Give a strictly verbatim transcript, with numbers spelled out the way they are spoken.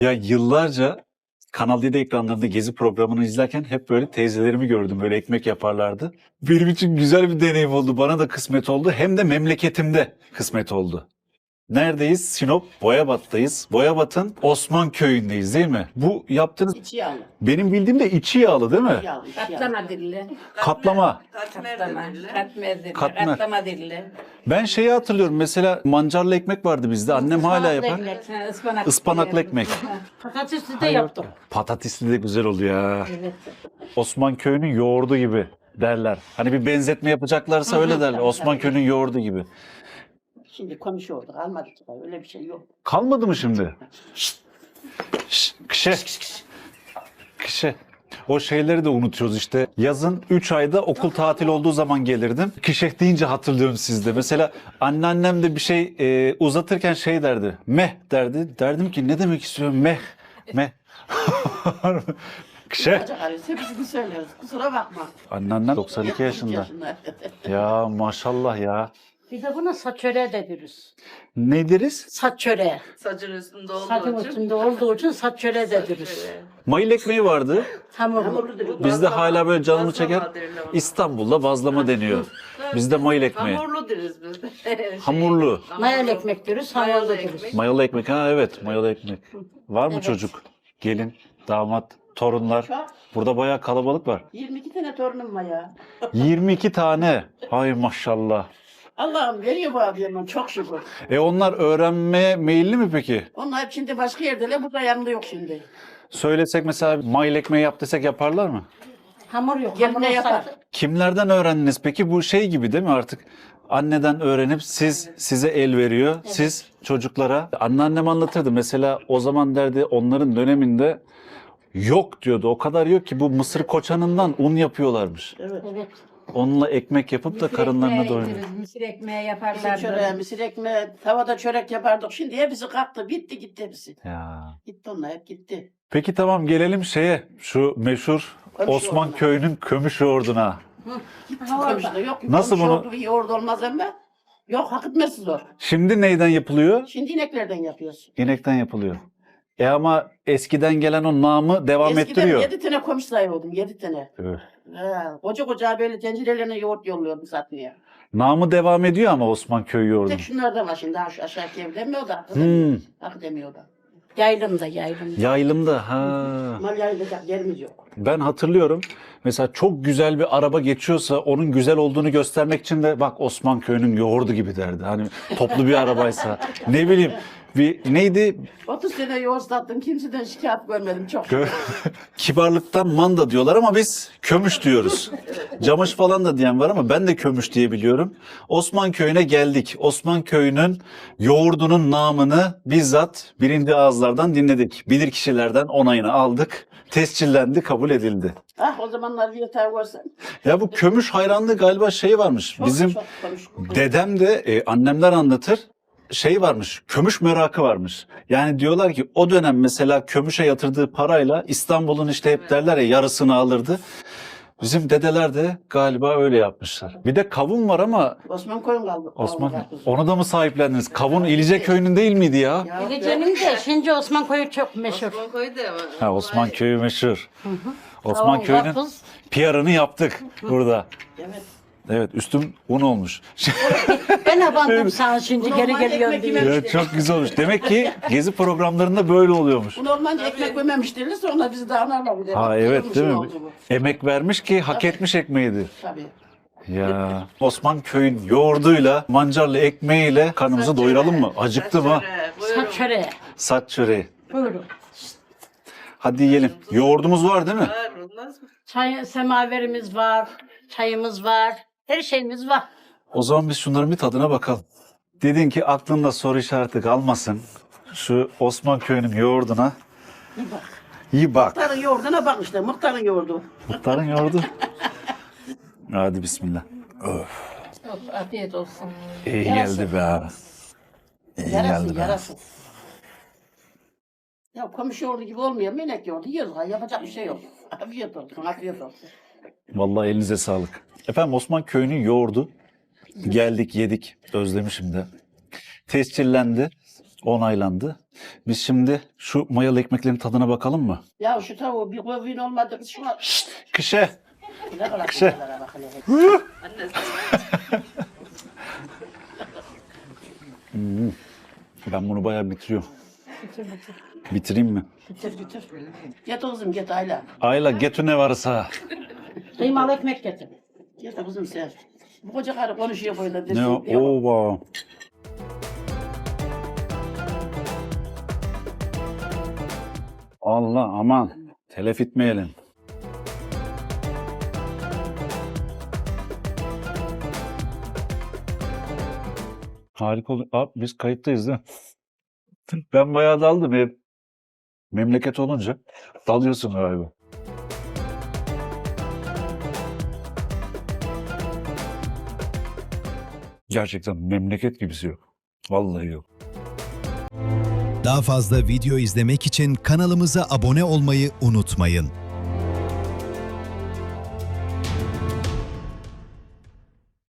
Ya yıllarca Kanal D'de ekranlarında Gezi programını izlerken hep böyle teyzelerimi gördüm. Böyle ekmek yaparlardı. Benim için güzel bir deneyim oldu. Bana da kısmet oldu. Hem de memleketimde kısmet oldu. Neredeyiz? Sinop, Boyabat'tayız. Boyabat'ın Osman Köyü'ndeyiz değil mi? Bu yaptığınız İçi yağlı. benim bildiğim de içi yağlı değil mi? Yağlı, içi yağlı. Katlama dilli. Katlama. Katlama. Katmer dilli. Katmer. Katlama dilli. Ben şeyi hatırlıyorum. Mesela mancarlı ekmek vardı bizde. Annem hala yapar. Ha, ıspanak. Ispanaklı ekmek. Patatesli de yaptık. Patatesli de güzel oluyor ya. Evet. Osman Köyü'nün yoğurdu gibi derler. Hani bir benzetme yapacaklarsa öyle derler. Osman Köyü'nün yoğurdu gibi. Şimdi konuşuyorduk, almadık. Öyle bir şey yok. Kalmadı mı şimdi? Şşt. Şşt. Kişe. Kişe. O şeyleri de unutuyoruz işte. Yazın üç ayda okul tatil olduğu zaman gelirdim. Kişeh deyince hatırlıyorum sizde. Mesela anneannem de bir şey e, uzatırken şey derdi. Meh derdi. Derdim ki ne demek istiyorum? Meh. Meh. Kişeh. Hocam hepsini söylüyoruz. Kusura bakma. Anneannem doksan iki yaşında. Ya maşallah ya. Bir de buna saç çöreği de deriz. Ne deriz? Saç çöreği. Saçın üstünde olduğu Saçın için. üstünde olduğu için saç çöreği de deriz. Mayıl ekmeği vardı. Hamurlu. Bizde hala böyle canımı Bazlama çeker. derler ona. İstanbul'da bazlama deniyor. Bizde mayıl ekmeği. Hamurlu deriz biz de. Şey, Hamurlu. Mayalı ekmek deriz, hamurlu Mayalı deriz. ekmek. Mayalı ekmek. Ha evet, mayalı ekmek. Var mı Evet. çocuk? Gelin, damat, torunlar. Çok. Burada bayağı kalabalık var. yirmi iki tane torunum var ya. yirmi iki tane. Hay maşallah. Allah'ım veriyor bu abiyemden çok şükür. E onlar öğrenmeye meyilli mi peki? Onlar hep şimdi başka yerdeler, burada yanında yok şimdi. Söylesek mesela mayıl ekmeği yap desek yaparlar mı? Hamur yok. Geline Hamur yapar. olsaydı- Kimlerden öğrendiniz peki? Bu şey gibi değil mi artık? Anneden öğrenip siz size el veriyor. Siz çocuklara. Anneannem anlatırdı. Mesela o zaman derdi onların döneminde yok diyordu. O kadar yok ki bu mısır koçanından un yapıyorlarmış. Evet. Evet. Onunla ekmek yapıp da Mısır karınlarına ekmeği doyuruyor. yediriz, Mısır ekmeği Mısır yaparlardı. çöreği, mısır ekmeği, tavada çörek yapardık. Şimdi hepsi kalktı, bitti gitti hepsi. Ya. Gitti onlar hep gitti. Peki tamam gelelim şeye. Şu meşhur Kömüş Osman yoğurduna. Köyü'nün kömüş yoğurduna. Komşuda yok. Nasıl komşu bunu- oldu, iyi yoğurt olmaz ama. Yok hak etmesi zor. Şimdi neyden yapılıyor? Şimdi ineklerden yapıyoruz. İnekten yapılıyor. E ama eskiden gelen o namı devam Eskiden ettiriyor. yedi tane komşu sayıyordum, yedi tane. Öf. Ha, koca koca böyle tencerelerine yoğurt yolluyordum satmaya. Namı devam ediyor ama Osman Köyü yoğurdu. Tek şunlardan var şimdi, aş aşağıki evde mi o da? Hak Hmm. edemiyor. Hak edemiyor da. Yaylımda, yaylımda. Yaylımda ha. Mal yayılacak yerimiz yok. Ben hatırlıyorum. Mesela çok güzel bir araba geçiyorsa onun güzel olduğunu göstermek için de bak Osman Köyü'nün yoğurdu gibi derdi. Hani toplu bir arabaysa. Ne bileyim bir neydi? otuz sene yoğurt sattım, kimseden şikayet görmedim çok. Kö- Kibarlıktan manda diyorlar ama biz kömüş diyoruz. Camış falan da diyen var ama ben de kömüş diye biliyorum. Osman Köyü'ne geldik. Osman Köyü'nün yoğurdunun namını bizzat birinci ağızlardan dinledik. Bilir kişilerden onayını aldık. Tescillendi, kabul edildi. Ah o zamanlar bir yatağı görsen. Ya bu kömüş hayranlığı galiba şey varmış. Çok, Bizim çok konuş. dedem de e, annemler anlatır. Şey varmış, kömüş merakı varmış. Yani diyorlar ki o dönem mesela kömüşe yatırdığı parayla İstanbul'un işte hep derler ya yarısını alırdı. Bizim dedeler de galiba öyle yapmışlar. Bir de kavun var ama Osman koyun kaldı. Osman kaldı. onu da mı sahiplendiniz? Kavun İlice Köyü'nün değil miydi ya? Ya, Gecenin de şimdi Osman Koyu çok meşhur. Osman koydu ama. Ha, Osman Köyü meşhur. Osman Kavun, Köyü'nün karpuz. P R'ını yaptık burada. Evet. Evet üstüm un olmuş. Ben abandım sana şimdi Bunu geri normal geliyorum ekmek diye. yememiş. Ya çok güzel olmuş. Demek ki gezi programlarında böyle oluyormuş. Bu normalde ekmek yememiş derler, sonra bizi dağınarlar bir de. Ha Bak, evet kırılmış değil mi? oldu bu. Emek vermiş ki hak etmiş ekmeğidir. Tabii. Ya Osman Köy'ün yoğurduyla, mancarlı ekmeğiyle karnımızı doyuralım mı? Acıktım ha. Saç çöreği. Saç çöreği. Buyurun. Hadi yiyelim. Yoğurdumuz var değil mi? Var olmaz mı? Çay, semaverimiz var, çayımız var, her şeyimiz var. O zaman biz şunların bir tadına bakalım. Dedin ki aklında soru işareti kalmasın. Şu Osman Köyü'nün yoğurduna Bir bak. iyi bak. Muhtarın yoğurduna bak işte, muhtarın yoğurdu. Muhtarın yoğurdu. Hadi bismillah. Afiyet olsun. İyi Yarası. geldi be abi. İyi Yarasın, geldi be. yarasın. Ya komşu yoğurdu gibi olmuyor, melek yoğurdu. Yiyoruz, ha, yapacak bir şey yok. Afiyet olsun, afiyet olsun. Vallahi elinize sağlık. Efendim Osman Köyü'nün yoğurdu. Geldik yedik. Özlemişim de. Tescillendi. Onaylandı. Biz şimdi şu mayalı ekmeklerin tadına bakalım mı? Ya şu tavuğu bir kovin olmadı. Şuna Kışe. ne kadar Kışe. güzeller bak hele. Annesi. Ben bunu bayağı bitiriyorum. Bitireyim mi? Getir getir. Get kızım get Ayla. Ayla getir ne varsa. Kıymalı ekmek getir. Get kızım sen. Bu koca karı konuşuyor böyle. Ne desin, o? diyor. Oba. Allah aman. Telef etmeyelim. Harika oldu. Abi biz kayıttayız değil mi? Ben bayağı daldım hep. Memleket olunca dalıyorsun galiba. Gerçekten memleket gibisi yok. Vallahi yok. Daha fazla video izlemek için kanalımıza abone olmayı unutmayın.